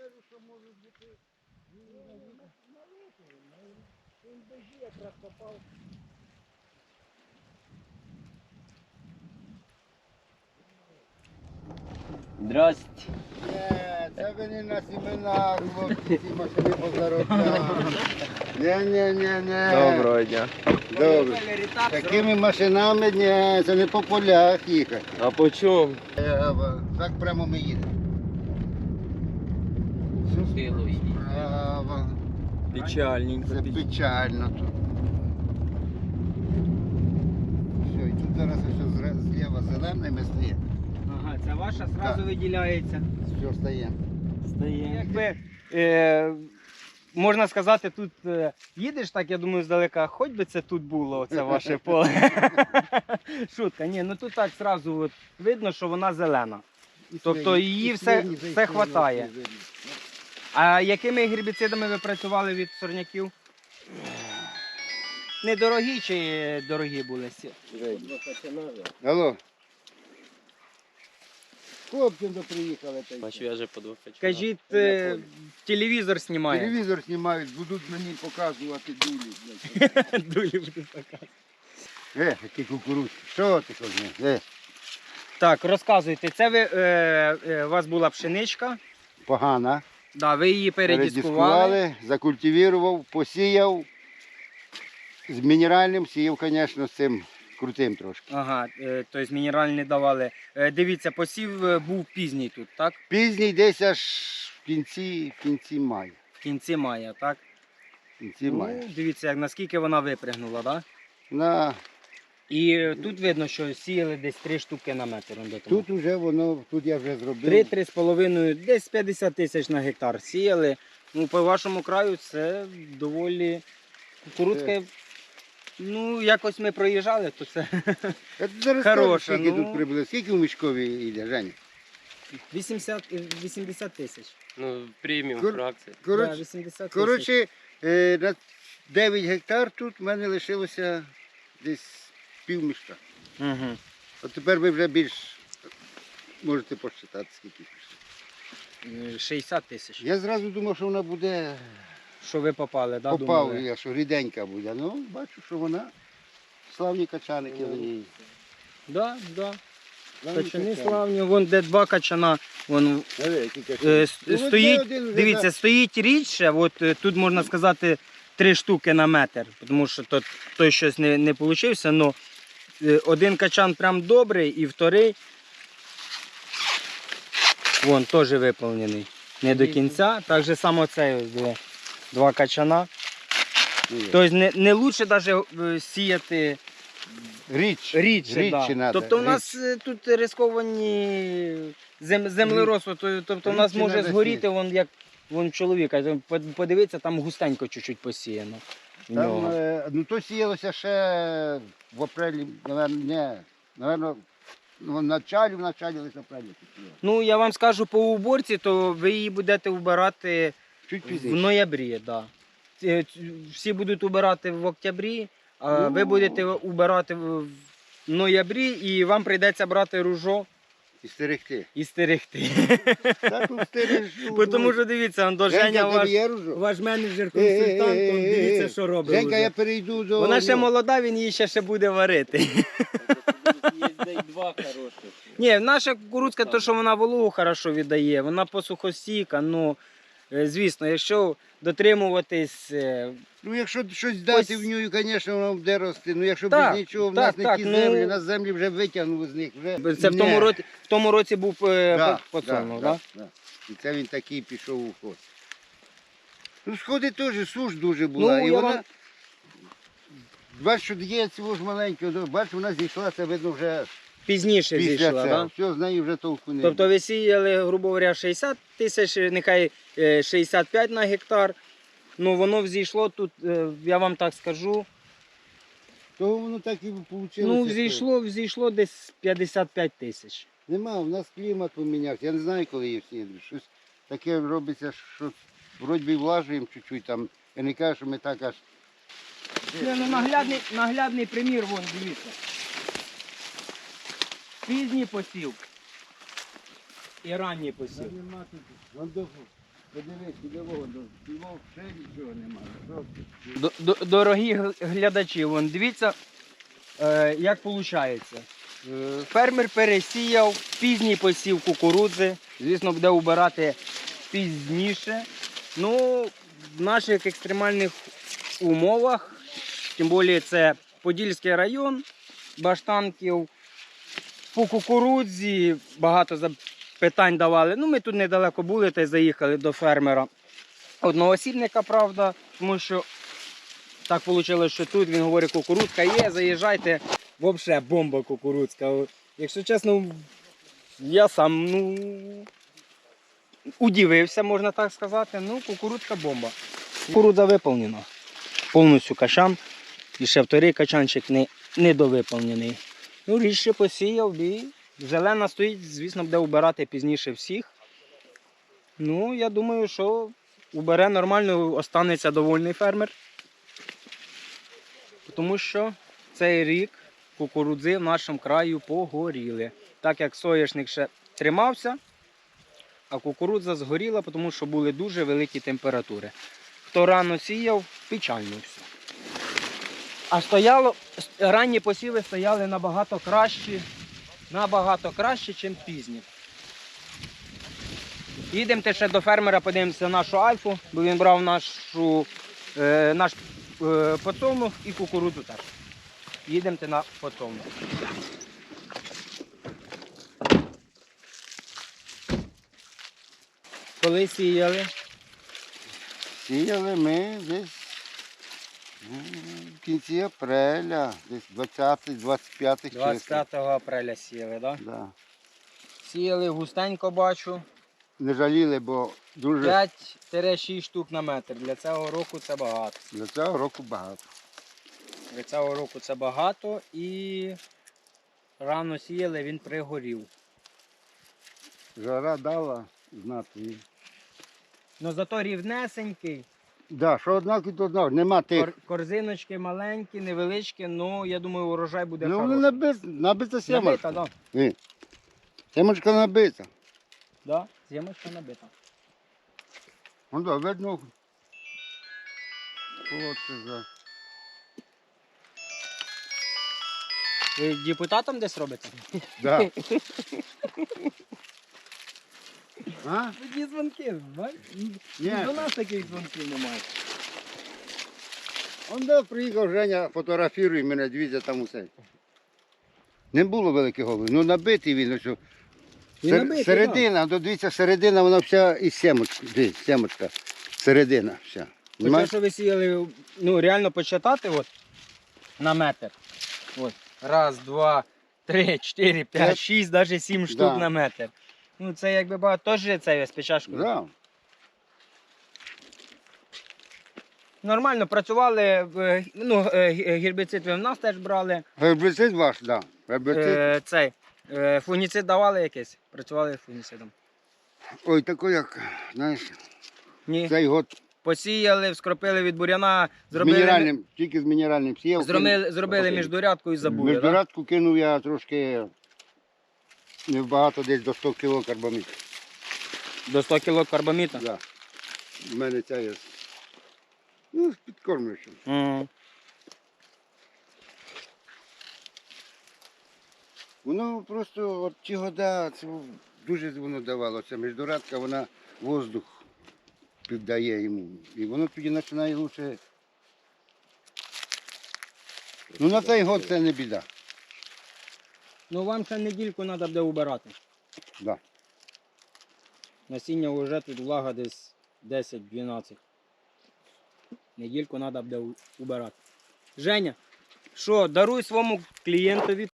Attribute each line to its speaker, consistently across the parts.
Speaker 1: кажу, що може бути він дожі якраз попав.
Speaker 2: Здрасте.
Speaker 1: Це ви не на семінар, хлопці, ці машини позаробляли. Ні.
Speaker 2: Доброго дня.
Speaker 1: Добре. Такими машинами ні, це не по полях їхати.
Speaker 2: А по чому?
Speaker 1: Так прямо ми їдемо. Право.
Speaker 2: Печальненько.
Speaker 1: Це печально тут. Все, і тут зараз все зліва зеленими стає.
Speaker 3: Ага, це ваша зразу
Speaker 1: Так.
Speaker 3: виділяється.
Speaker 1: Все стає.
Speaker 3: Стає. Якби, можна сказати, тут їдеш, так я думаю, здалека, хоч би це тут було, це ваше поле. Шутка, ні, ну тут так зразу от, видно, що вона зелена. Тобто її все хватає. А якими гербіцидами ви працювали від сорняків? Недорогі чи дорогі були?
Speaker 1: Алло. Хлопці до приїхали.
Speaker 2: Бачу, я вже по двох хочу.
Speaker 3: Кажіть, телевізор знімає.
Speaker 1: Телевізор знімають, будуть мені показувати дулі.
Speaker 3: Дулі будуть показувати.
Speaker 1: Які кукурудзки. Що ти хочеш?
Speaker 3: Так, розказуйте, це у вас була пшеничка,
Speaker 1: Погана.
Speaker 3: да, ви її передіскували.
Speaker 1: Закультивував, посіяв. З мінеральним сіяв, звісно, з цим крутим трошки.
Speaker 3: Ага, тобто мінеральні не давали. Дивіться, посів був пізній тут, так?
Speaker 1: Пізній десь аж в кінці мая.
Speaker 3: В кінці мая, так?
Speaker 1: В кінці мая.
Speaker 3: Ну, дивіться, як наскільки вона випрягнула, так?
Speaker 1: На...
Speaker 3: І тут видно, що сіяли десь 3 штуки на метр.
Speaker 1: Тут вже воно, тут я вже зробив.
Speaker 3: 3-3,5, десь 50 тисяч на гектар сіяли. Ну, по вашому краю це доволі кукурудзка. Ну, якось ми проїжджали, то це
Speaker 1: Зараз
Speaker 3: хороша.
Speaker 1: скільки
Speaker 3: Ну,
Speaker 1: тут приблизно? Скільки в мішкові йде, Женя?
Speaker 3: 80 тисяч.
Speaker 2: Ну, преміум
Speaker 1: Кор-
Speaker 2: фракція.
Speaker 3: Да,
Speaker 1: Коротше,
Speaker 3: 80 тисяч.
Speaker 1: коротше, на 9 гектар тут в мене лишилося десь пів мішка.
Speaker 3: Угу.
Speaker 1: От тепер ви вже більш можете посчитати, скільки пішло.
Speaker 3: 60 тисяч.
Speaker 1: Я зразу думав, що вона буде,
Speaker 3: Що ви попали, да,
Speaker 1: попав
Speaker 3: думали?
Speaker 1: я, що ріденька буде. Ну, бачу, що вона славні качаники в ній.
Speaker 3: Да, да.
Speaker 1: Славні
Speaker 3: Качани
Speaker 1: качани.
Speaker 3: славні, вон де 2 качана, вон
Speaker 1: Диви, які качани. Ну, от
Speaker 3: стоїть,
Speaker 1: де один вже
Speaker 3: дивіться, стоїть рідше, от тут можна сказати 3 штуки на метр, тому що той щось не вийшло, але один качан прям добрий і вторий, вон теж виповнений. Не до кінця, так же само цей ось 2 качана.
Speaker 1: Ні.
Speaker 3: Тобто не краще навіть сіяти рідше. Да.
Speaker 1: надо,
Speaker 3: Тобто у нас тут рисковані землеробство, тобто у нас
Speaker 1: Рідше
Speaker 3: може
Speaker 1: надо
Speaker 3: згоріти, вон чоловіка, подивитися, там густенько чуть-чуть посіяно. в
Speaker 1: Там,
Speaker 3: нього.
Speaker 1: ну то сіялося ще в апрелі, напевно, в началі лише апрелі.
Speaker 3: Ну, я вам скажу по уборці, то ви її будете вбирати
Speaker 1: Чуть
Speaker 3: в
Speaker 1: пізніше.
Speaker 3: ноябрі. Да. Всі будуть убирати в октябрі, а
Speaker 1: Ну.
Speaker 3: ви будете убирати в ноябрі, і вам прийдеться брати ружо
Speaker 1: І стерегти.
Speaker 3: і стерегти.
Speaker 1: Так, ну, стережу.
Speaker 3: Тому що дивіться, Андо, Женя
Speaker 1: Женька,
Speaker 3: ваш,
Speaker 1: є ружо?
Speaker 3: ваш менеджер-консультант, он дивіться, що робить.
Speaker 1: Женька,
Speaker 3: уже.
Speaker 1: я перейду до...
Speaker 3: Вона ще
Speaker 1: ну,
Speaker 3: молода, він її ще буде варити.
Speaker 2: Є 2 хороших.
Speaker 3: Ні, наша кукурудзка, то що вона вологу хорошо віддає, вона посухостійка, ну, звісно, якщо дотримуватись...
Speaker 1: Ну, якщо щось дати в нього, звісно, вона буде рости. Ну, якщо
Speaker 3: Так,
Speaker 1: без нічого, в
Speaker 3: так,
Speaker 1: нас не
Speaker 3: так,
Speaker 1: ті
Speaker 3: ну,
Speaker 1: землі, нас землі вже витягнули з них. Вже...
Speaker 3: Це в тому році був подсолнух,
Speaker 1: да,
Speaker 3: так?
Speaker 1: да. І це він такий пішов у ход. Ну, сходи теж, суш дуже була.
Speaker 3: Ну,
Speaker 1: і
Speaker 3: я
Speaker 1: вона...
Speaker 3: вам-
Speaker 1: Бачиш, що є цього ж маленького, бачиш, вона зійшла, це видно вже
Speaker 3: Пізніше
Speaker 1: після
Speaker 3: зійшла,
Speaker 1: цього.
Speaker 3: так?
Speaker 1: Все, з нею вже толку не
Speaker 3: Тобто ви сіяли, грубо говоря, 60 тисяч, нехай 65 на гектар. Ну, воно взійшло тут, я вам так скажу,
Speaker 1: То воно так і вийшло.
Speaker 3: ну, взійшло десь 55 тисяч.
Speaker 1: Нема, у нас клімат помінявся. Я не знаю, коли її всі. Щось таке робиться, що вроді би влажуємо чуть-чуть там. Я не кажу, що ми так аж...
Speaker 3: Це ну, наглядний примір, вон, дивіться. Пізній посів і ранній посів.
Speaker 1: Нема тут. Подивись, підового, до цього ще нічого немає.
Speaker 3: Дорогі глядачі, вон, дивіться, як виходить. Фермер пересіяв пізній посів кукурудзи. Звісно, буде убирати пізніше. Ну, в наших екстремальних умовах, тим більше це Подільський район, Баштанків, по кукурудзі багато питань давали. Ну, ми тут недалеко були та й заїхали до фермера. Одноосібника, правда, тому що так вийшло, що тут він говорить, кукурудзка є, заїжджайте, взагалі бомба кукурудзка. Якщо чесно, я сам удивився, можна так сказати. Ну, кукурудзка бомба. Кукурудза виповнена. Повністю качан. І ще вторий качанчик недовиповнений. Ну, річ ще посіяв і зелена стоїть, звісно, буде убирати пізніше всіх. Ну, я думаю, що убере нормально, останеться довольний фермер. Тому що цей рік кукурудзи в нашому краю погоріли. Так як соняшник ще тримався, а кукурудза згоріла, тому що були дуже великі температури. Хто рано сіяв, печально все. А ранні посіви стояли набагато краще, ніж пізні. Їдемо ще до фермера, подивимося нашу альфу, бо він брав наш подсолнух і кукурудзу теж. Їдемо на подсолнух. Коли сіяли?
Speaker 1: Сіяли ми десь в кінці апреля, десь 20-25 числа.
Speaker 3: 25 апреля сіяли, так?
Speaker 1: Да.
Speaker 3: Сіяли густенько, бачу.
Speaker 1: Не жаліли, бо дуже
Speaker 3: 5-6 штук на метр. Для цього року це багато.
Speaker 1: для цього року багато.
Speaker 3: Для цього року це багато і рано сіяли, він пригорів.
Speaker 1: Жара дала знати.
Speaker 3: Ну зато рівнесенький.
Speaker 1: Да, що однаково, то однаково. Нема тих.
Speaker 3: Корзиночки маленькі, невеличкі, ну я думаю, урожай буде
Speaker 1: Ну,
Speaker 3: хороший.
Speaker 1: вони набита сімочка.
Speaker 3: Набита, да.
Speaker 1: Сімочка набита.
Speaker 3: Да, сімочка набита.
Speaker 1: Ну да, видно. От це за.
Speaker 3: Ви депутатом десь робите?
Speaker 1: Да. А?
Speaker 3: Такі дзвонки, бачиш?
Speaker 1: Ні.
Speaker 3: До нас таких дзвонків немає.
Speaker 1: Он де приїхав Женя, фотографірує мене, дивіться там усе. Не було великих голубів, ну набитий він. Ось,
Speaker 3: Він набитий,
Speaker 1: середина, дивіться, середина, вона вся із сімочки. Дивіться, сімочка, середина вся.
Speaker 3: Те, що ви сіяли, ну реально почитати от, на метр. От. Раз, два, три, чотири, п'ять, шість, навіть 7 штук
Speaker 1: Да.
Speaker 3: на метр. Ну це якби багато, теж це з печашкою.
Speaker 1: Да.
Speaker 3: Нормально працювали, ну гербіцид ви в нас теж брали.
Speaker 1: Гербіцид ваш, так. Да. Гербіцид.
Speaker 3: Фунгіцид давали якийсь? Працювали фунгіцидом?
Speaker 1: Ой, такий як, знаєш,
Speaker 3: Ні.
Speaker 1: цей год
Speaker 3: Посіяли, вскропили від буряна,
Speaker 1: з мінеральним, тільки з мінеральним сіяв.
Speaker 3: зробили міждорядку і забули. Да?
Speaker 1: Міждорядку кинув я трошки, небагато, десь до 100 кг карбаміду.
Speaker 3: До 100 кг карбаміта?
Speaker 1: Да. У мене ця є. Ну, з підкормлюючим. Воно просто от ті года, це дуже воно давало. Ця міждорядка, вона воздух піддає йому. І воно тоді починає лучше. Ну на цей год це не біда.
Speaker 3: Ну вам ще недільку треба буде убирати.
Speaker 1: Да.
Speaker 3: Насіння вже тут влага десь 10-12. Недільку треба буде убирати. Женя, що, даруй своєму клієнтові.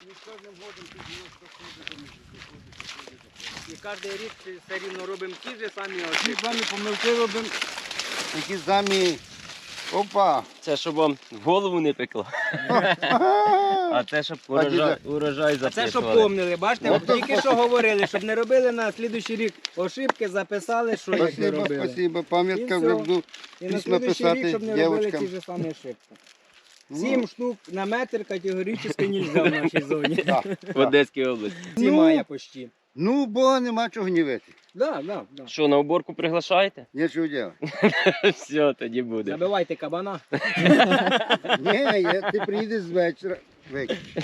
Speaker 3: І кожен рік все рівно робимо ті ж самі
Speaker 1: Ті
Speaker 3: ошибки.
Speaker 1: самі помилки робимо, такі самі. Опа!
Speaker 2: Це щоб вам в голову не пекло. А це щоб урожай
Speaker 3: А це щоб
Speaker 2: записували.
Speaker 3: помнили, бачите, тільки що говорили, щоб не робили на слідуючий рік ошибки, записали, що як не
Speaker 1: Спасибо,
Speaker 3: робили.
Speaker 1: спасибо.
Speaker 3: І
Speaker 1: Пам'ятка
Speaker 3: все.
Speaker 1: вже буду
Speaker 3: І на
Speaker 1: письма
Speaker 3: слідуючий рік,
Speaker 1: писати
Speaker 3: щоб не робили
Speaker 1: дівчатам.
Speaker 3: ті ж самі ошибки.
Speaker 1: Ну.
Speaker 3: 7 штук на метр категорично нельзя в нашій зоні.
Speaker 1: Да,
Speaker 2: В Одеській області.
Speaker 3: Зимає почти.
Speaker 1: Ну, бо нема чого гнівити.
Speaker 3: Да, да, да.
Speaker 2: Що, на уборку приглашаєте?
Speaker 1: Нічого робити.
Speaker 2: Все, тоді буде.
Speaker 3: Забивайте кабана.
Speaker 1: Ні, ти приїдеш з вечора. Виключи.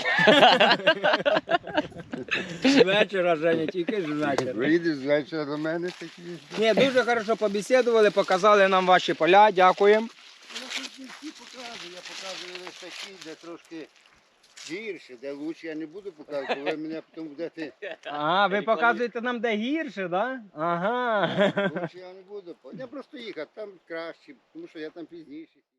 Speaker 3: З вечора, Женя, тільки з вечора.
Speaker 1: Приїдеш з вечора до мене такі.
Speaker 3: Ні, дуже хорошо побесідували, показали нам ваші поля, дякуємо.
Speaker 1: Я тут не всі показую, я показую лише такі, де трошки гірше, де краще я не буду показувати, ви мене потім будете.
Speaker 3: А, ви показуєте нам, де гірше, так? Да? Ага.
Speaker 1: Лучше я не буду. Я просто їхав, там краще, тому що я там пізніше.